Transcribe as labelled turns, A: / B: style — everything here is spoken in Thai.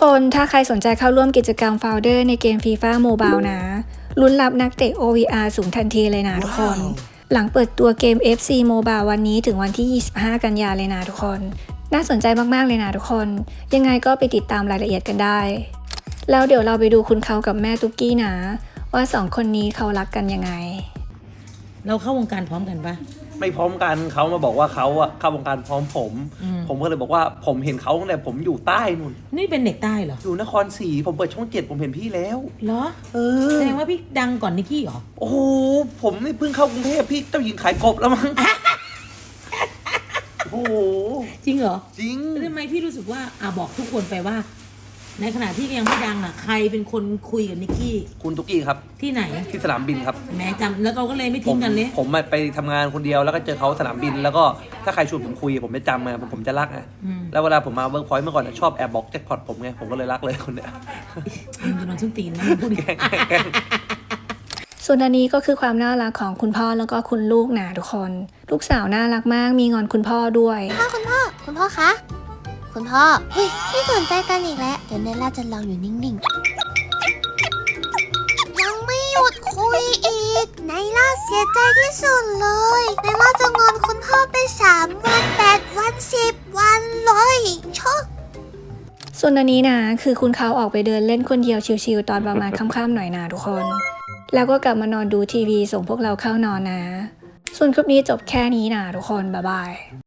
A: คนถ้าใครสนใจเข้าร่วมกิจกรรม Founder ในเกม FIFA Mobile นะลุ้นรับนักเตะ OVR สูงทันทีเลยนะทุกคน หลังเปิดตัวเกม FC Mobile วันนี้ถึงวันที่ 25 กันยาเลยนะทุกคน น่าสนใจมากๆเลยนะทุกคน ยังไงก็ไปติดตามรายละเอียดกันได้ แล้วเดี๋ยวเราไปดูคุณเขากับแม่ตุ๊กกี้นะว่า2คนนี้เขารักกันยังไง
B: เราเข้าวงการพร้อมกันปะ
C: ไม่พร้อมกันเขามาบอกว่าเขาอะเข้าวงการพร้อมผมก็เลยบอกว่าผมเห็นเขาตั้งแต่ผมอยู่ใต้นู่น
B: นี่เป็นเด็กใต้เหรอ
C: อยู่นครศรีผมเปิดช่อง7ผมเห็นพี่แล้ว
B: เหรอ แสดงว่าพี่ดังก่อนนิกกี้เหรอ
C: โอ้โหผมนี่เพิ่งเข้ากรุงเทพพี่เจ้าหญิงขายกบแล้วมั้ง โอ้โห
B: จริงเหรอ
C: จริง
B: แล้วทำไมพี่รู้สึกว่าบอกทุกคนไปว่า ในขณะที่ยังไม่ดังใครเป็นคนคุยกับนิกกี้
C: คุณตุ๊กกี้ครับ
B: ที่ไหน
C: ที่สนามบินครับ
B: แหมจำแล้วเราก็เลยไม่ทิ้งกันเลย
C: ผมไปทำงานคนเดียวแล้วก็เจอเขาสนามบิน แล้วก็ถ้าใครชวนผมคุยผมจะจำไงผมจะรักไงแล้วเวลาผมมาเวิร์กพอยต์เมื่อก่อนชอบแอบบอกแจ็คพอตผมไงผมก็เลยรักเลยคนเนี้ย
B: มึงจะนอนส้นตีนนะพูดดิ
A: ส่วนอันนี้ก็คือความน่ารักของคุณพ่อแล้วก็คุณลูกนะทุกคน ลูกสาวน่ารักมากมีงอนคุณพ่อด้วย
D: คุณพ่อคะ คุณพ่อ เฮ้ยไม่สนใจกันอีกแล้ว เดี๋ยวเนล่าจะลองอยู่นิ่งๆ ยังไม่หยุดคุยอีกไนล่าเสียใจที่สุดเลยไนล่าจะงอนคุณพ่อไป3 วัน 8 วัน 10 วันเลยชอบ
A: ส่วนอันนี้นะคือคุณเขาออกไปเดินเล่นคนเดียวชิลๆตอนประมาณค่ำๆหน่อยนะทุกคน แล้วก็กลับมานอนดูทีวีส่งพวกเราเข้านอนนะ ส่วนคลิปนี้จบแค่นี้นะทุกคนบ๊ายบาย